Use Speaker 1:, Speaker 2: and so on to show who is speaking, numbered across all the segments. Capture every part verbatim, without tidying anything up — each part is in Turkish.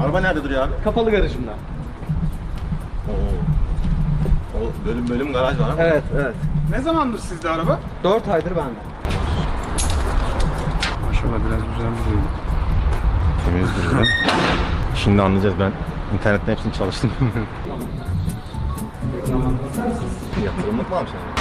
Speaker 1: Araba nerede duruyor abi?
Speaker 2: Kapalı garajımda.
Speaker 1: Oo. O bölüm bölüm garaj var ama.
Speaker 2: Evet, evet.
Speaker 3: Ne zamandır sizde araba?
Speaker 2: dört aydır bende.
Speaker 3: Maşallah biraz güzel duruyor.
Speaker 1: Temiz duruyor. Şimdi anlayacağız, ben internetten hepsini çalıştım. Yatırımlık mı almış yani?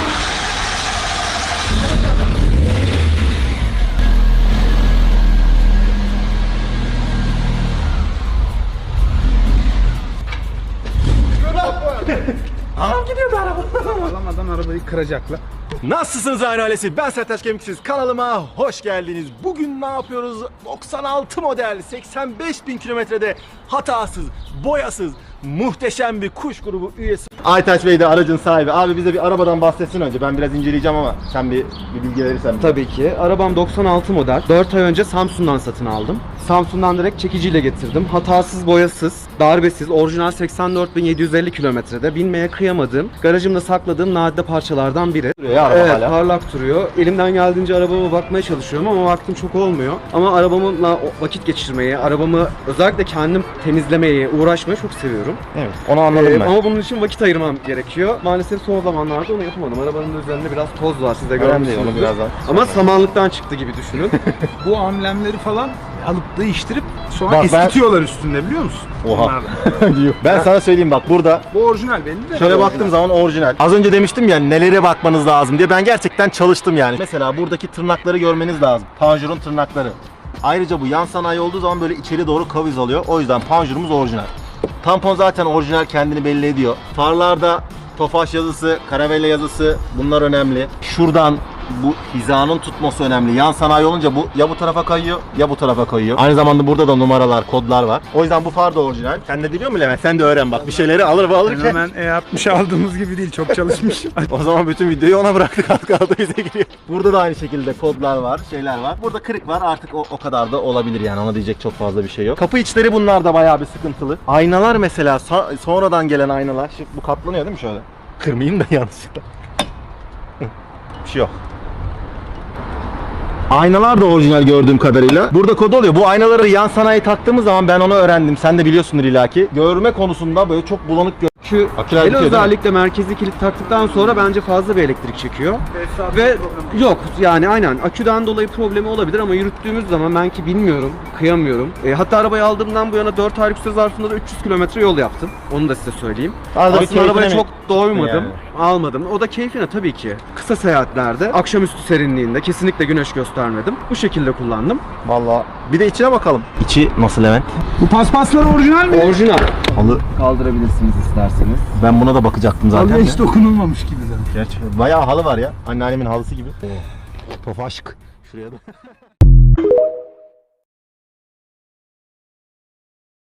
Speaker 1: Anam gidiyordu araba.
Speaker 3: Alamadan arabayı kıracaklar.
Speaker 1: Nasılsınız Aynı Ailesi? Ben Sertaç Kemiksiz. Kanalıma hoş geldiniz. Bugün ne yapıyoruz? doksan altı model, seksen beş bin kilometrede hatasız, boyasız, muhteşem bir kuş grubu üyesi. Aytaç Bey de aracın sahibi. Abi bize bir arabadan bahsetsin önce. Ben biraz inceleyeceğim ama sen bir, bir bilgi verirsen.
Speaker 2: Tabii ki. Arabam doksan altı model. dört ay önce Samsun'dan satın aldım. Samsun'dan direkt çekiciyle getirdim. Hatasız, boyasız, darbesiz, orijinal seksen dört bin yedi yüz elli kilometrede. Binmeye kıyamadığım, garajımda sakladığım nadide parçalardan biri.
Speaker 1: Duruyor ya araba
Speaker 2: Evet,
Speaker 1: hala.
Speaker 2: parlak duruyor. Elimden geldiğince arabama bakmaya çalışıyorum ama vaktim çok olmuyor. Ama arabamla vakit geçirmeyi, arabamı özellikle kendim temizlemeyi, uğraşmayı çok seviyorum.
Speaker 1: Evet, onu anladım
Speaker 2: Ee,
Speaker 1: ben.
Speaker 2: Ama bunun için vakit ayırmam gerekiyor. Maalesef son zamanlarda onu yapamadım. Arabanın üzerinde biraz toz var, siz de
Speaker 1: Önemli değil,
Speaker 2: görmüşsünüzdür.
Speaker 1: onu birazdan.
Speaker 2: Ama samanlıktan çıktı gibi düşünün.
Speaker 3: Bu amblemleri falan alıp değiştirip sonra
Speaker 1: Bak ben-
Speaker 3: eskitiyorlar üstünde, biliyor musun?
Speaker 1: Oha.
Speaker 3: Bunlar.
Speaker 1: Ben sana söyleyeyim bak, burada
Speaker 3: Bu orijinal belli de.
Speaker 1: şöyle baktığım zaman orijinal. Az önce demiştim ya nelere bakmanız lazım diye. Ben gerçekten çalıştım yani. Mesela buradaki tırnakları görmeniz lazım. Panjurun tırnakları. Ayrıca bu yan sanayi olduğu zaman böyle içeri doğru kaviz alıyor. O yüzden panjurumuz orijinal. Tampon zaten orijinal, kendini belli ediyor. Farlarda Tofaş yazısı, Caravelle yazısı, bunlar önemli. Şuradan bu hizanın tutması önemli. Yan sanayi olunca bu ya bu tarafa kayıyor ya bu tarafa kayıyor. Aynı zamanda burada da numaralar, kodlar var. O yüzden bu far da orijinal. Sen de biliyor musun Levent? Sen de öğren bak. Bir şeyleri alır ve alırken.
Speaker 3: Hemen E altmış aldığımız gibi değil, çok çalışmış.
Speaker 1: O zaman bütün videoyu ona bıraktık, az kaldı bize giriyor. Burada da aynı şekilde kodlar var, şeyler var. Burada kırık var, artık o, o kadar da olabilir yani, ona diyecek çok fazla bir şey yok. Kapı içleri bunlar da bayağı bir sıkıntılı. Aynalar mesela sa- sonradan gelen aynalar. Şimdi bu katlanıyor değil mi şöyle? Kırmayayım da yanlışlıkla. Bir şey yok. Aynalar da orijinal gördüğüm kadarıyla. Burada kod oluyor. Bu aynaları yan sanayi taktığımız zaman ben onu öğrendim. Sen de biliyorsundur illaki. Görme konusunda böyle çok bulanık gör.
Speaker 2: Şu
Speaker 1: Aküler
Speaker 2: el
Speaker 1: bitiyor değil mi?
Speaker 2: özellikle merkezi kilit taktıktan sonra bence fazla bir elektrik çekiyor.
Speaker 3: Tesisat
Speaker 2: Ve
Speaker 3: problemi.
Speaker 2: yok yani aynen aküden dolayı problemi olabilir ama yürüttüğümüz zaman ben ki bilmiyorum, kıyamıyorum. E, hatta arabayı aldığımdan bu yana dört aylık süre zarfında da üç yüz kilometre yol yaptım. Onu da size söyleyeyim.
Speaker 1: Arada bir
Speaker 2: Aslında arabaya
Speaker 1: keyfine
Speaker 2: çok doymadım,
Speaker 1: Yani.
Speaker 2: almadım. O da keyfine tabii ki. Kısa seyahatlerde, akşamüstü serinliğinde kesinlikle güneş göstermedim. Bu şekilde kullandım.
Speaker 1: Vallahi bir de içine bakalım. İçi nasıl Levent?
Speaker 3: Bu paspaslar orijinal mi?
Speaker 2: Orijinal.
Speaker 1: Halı.
Speaker 2: Kaldırabilirsiniz isterseniz.
Speaker 1: Ben buna da bakacaktım zaten.
Speaker 3: Halıya
Speaker 1: de.
Speaker 3: hiç dokunulmamış gibi zaten.
Speaker 1: Gerçi bayağı halı var ya. Anneannemin halısı gibi. Tofaşık. Şuraya da.